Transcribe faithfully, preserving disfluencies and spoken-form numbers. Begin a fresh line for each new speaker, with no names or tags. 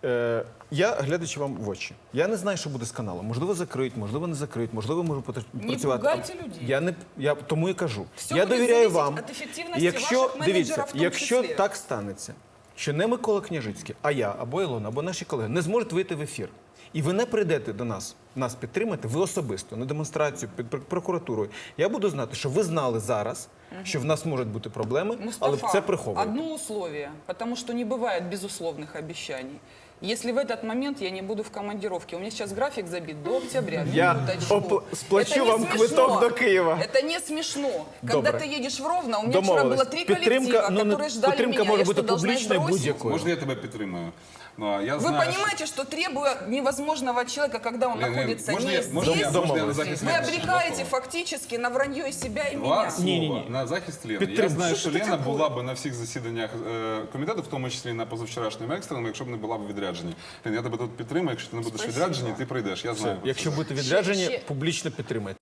Е, я, глядачи вам в очі, я не знаю, що буде з каналом. Можливо, закрить, можливо, не закрить, можливо, може
Не
працювати.
пугайте людей.
Я не, я тому і кажу.
Все
я
буде
довіряю
залежати
вам.
від ефективності
Якщо,
ваших менеджерів
дивіться,
в тому
якщо
числі.
так станеться, що не Микола Княжицький, а я, або Ілона, або наші колеги не зможуть вийти в ефір, і ви не прийдете до нас, нас підтримати, ви особисто, на демонстрацію, під пр- прокуратурою, я буду знати, що ви знали зараз, що в нас можуть бути проблеми, але
Мустафа,
це приховуєте.
одно условие, потому что не бывает безусловных обещаний. Если в этот момент я не буду в командировке, у меня сейчас график забит до октября,
Я
минуточку.
оп- сплачу
Это не
вам
смешно.
квиток до Киева.
Это не смешно. Когда
Добре.
ты едешь в Ровно, у меня вчера
Домовились.
было три
Підтримка,
коллектива,
ну,
которые ждали
підтримка
меня.
може
Я что,
бути
должна их
публічною
бросить?
будь-якою.
Можно я тебя підтримую? Ну, а я
Вы
знаю,
понимаете, что требуя невозможного человека, когда он
Лен, Лен,
находится
можно
не
я-
здесь,
можно я- можно я на
Домовились.
захист
вы
Лены?
обрекаете
Два слова.
фактически на вранье и себя, и
Два
меня.
слова
Ні-ні-ні.
на захист Лени. Я
Підтримую.
знаю,
Що
що
це
Лена
таке?
була б на всіх засіданнях е, комітету, в тому числі і на позавчорашньому екстреному, якщо б не була б у відрядженні. Лен, я тебе тут підтримую, якщо ти не будеш
Спасибо.
відряджені, ти прийдеш, я знаю.
Якщо будете відряджені,
ще-
публічно підтримайте.